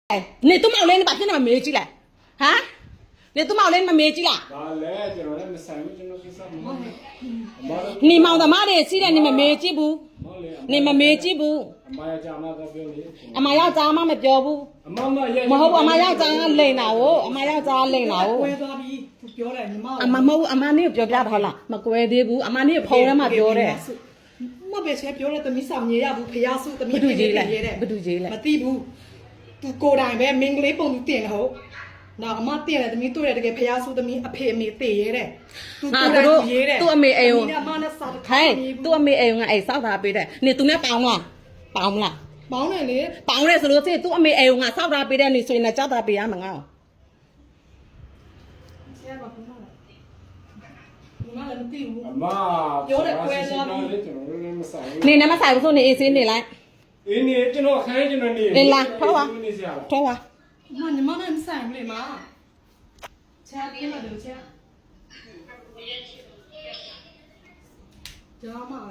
你都冇拎，你把片那么没进来，啊？你都冇拎，么没进来？你冇得妈的，现在你们没进步，你们没进步。阿妈要咋妈咪ပြောဘူးမဟုတ်ဘူးအမ要咋လိန်တာကိုအမ要咋လိန်တာကိုပြောတယ်ညီမအမမဟုတ်အမနေပြောပြတော့လားမကွဲသေးဘူးအမနေဖုန်းထဲမှာပြောတယ်မပဲဆဲပြောတယ်သမီးဆောင်မြေရဘူးဖျားစုသမီးဘယ်သူကြီးလဲမသိဘူးကိုယ်တိုင်ပဲမင်္ဂလေးပုံသူတင်ဟုတ်နော်အမတင်တယ်သမီးတွေ့တယ်တကယ်ဖျားစုသမီးအဖေအမေတည်ရဲတဲ့သူရေးတဲ့သူ့အမေအိမ်ကိုအမနဲ့စားတခါဟဲ့သူ့အမေအိမ်ကအဲ့စောက်တာပေးတယ်နေသူနဲ့ပေါင်းလားပေါင်းမလားပေါင်းတယ်လေပေါင်းတယ်ဆိုလို့ရှိရင်သူ့အမေအိမ်ကစောက်တာပေးတဲ့နေဆိုရင်လည်းကြောက်တာပေးရမှာငါ့ဆရာဘာပြောလဲညီမလည်းမသိဘူးအမပြောတယ်ကွဲသွားပြီနေနဲ့မဆိုင်ဘူးဆိုနေအေးစင်းနေလိုက်အေးနေကျွန်တော်ခိုင်းကျွန်တော်နေနေလားထောက်ပါထောက်ပါညီမနဲ့မဆိုင်ဘူးလေမဆရာပြေးမှာတယ်ဆရာကြားမှာ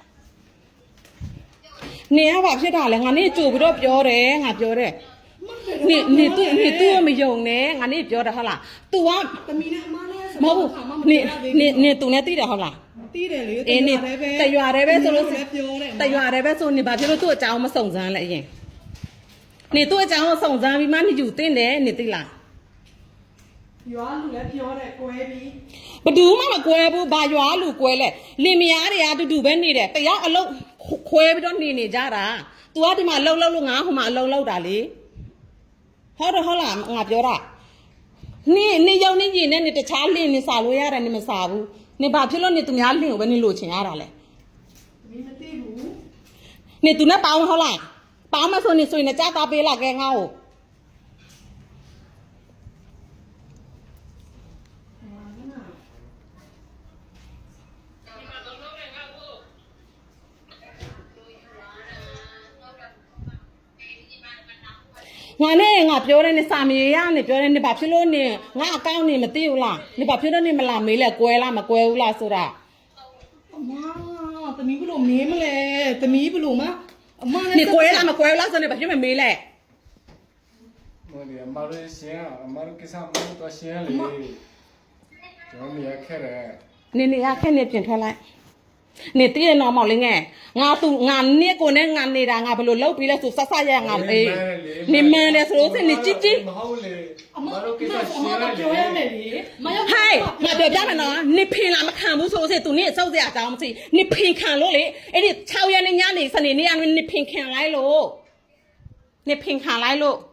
နေရပါဖြစ်တာလေငါနေကြိုပြီးတော့ပြောတယ်ငါပြောတယ်နေသူ့မယုံနဲ့ငါနေပြောတယ်ဟုတ်လား तू ကသမီးနဲ့အမနဲ့မဟုတ်ဘူးနေ तू နဲ့သိတယ်ဟုတ်လားသိတယ်လေအေးနေတရွာတယ်ပဲဆိုလို့ပြောတယ်တရွာတယ်ပဲဆိုနေဘာဖြစ်လို့သူ့အကြောင်းမစုံစမ်းလဲအရင်နေသူ့အကြောင်းကိုစုံစမ်းပြီးမှနေယူတင်တယ်နေသိလားရွာလူလည်းပြောတယ်ကွဲပြီးဘယ်သူမှမကွဲဘူးဘာရွာလူကွဲလဲလင်မယားတွေအတူတူပဲနေတယ်တယောက်အလုံးခွဲပြီးတော့နေကြတာ तू ကဒီမှာလှုပ်လို့ငါဟိုမှာအလုံးလှုပ်တာလေဟုတ်တယ်ဟုတ်လားငါပြောတာနေရုံနေကြီးနဲ့နေတခြားလင်နေစားလို့ရတယ်နေမစားဘူးနေဘာဖြစ်လို့နေသူများလင်ကိုပဲနေလို့ချင်ရတာလဲမင်းမသိဘူးနေသူနဲ့ပေါင်းဟုတ်လားပေါင်းမဆိုနေဆိုရင်ကြားသားပေးလာခဲ့ငါ့ကိုငါနဲ့ငါပြောတယ်နေစာမေးရနေပြောတယ်နေဘာဖြစ်လို့နေငါအကောင့်နေမသိဘူးလားနေဘာဖြစ်လို့နေမလာမေးလဲကွဲလားမကွဲဘူးလားဆိုတာအမသမီးဘလို့မေးမလဲသမီးဘလို့မအမနေကွဲလားမကွဲဘူးလားဆိုနေဘာဖြစ်မမေးလဲမလို့အမတို့ရှင်းအမတို့ကိစ္စမလို့တော့ရှင်းလေကျွန်တော်နေရခဲ့တယ်နေရခဲ့နေပြင်ထွက်လိုက်နေတည့်ရနော်မောင်လေးငယ်ငါသူငါနစ်ကိုနဲ့ငါနေတာငါဘယ်လိုလုပ်ပြီးလဲဆိုဆက်ဆက်ရငါအေးနေမန်းလဲဆိုလို့စနေជីជីမဟုတ်လေအမတို့ကိစ္စရှင်းလိုက်ပြောရမယ်လေမရောက်ဟဲ့ငါပြောပြမယ်နော်နေဖင်လာမခံဘူးဆိုလို့စသူနေစောက်စရာအကြောင်းမရှိနေဖင်ခံလို့လေအဲ့ဒီ6ရက်နေညနေစနေနေ့ကနေဖင်ခံလိုက်လို့နေဖင်ခံလိုက်လို့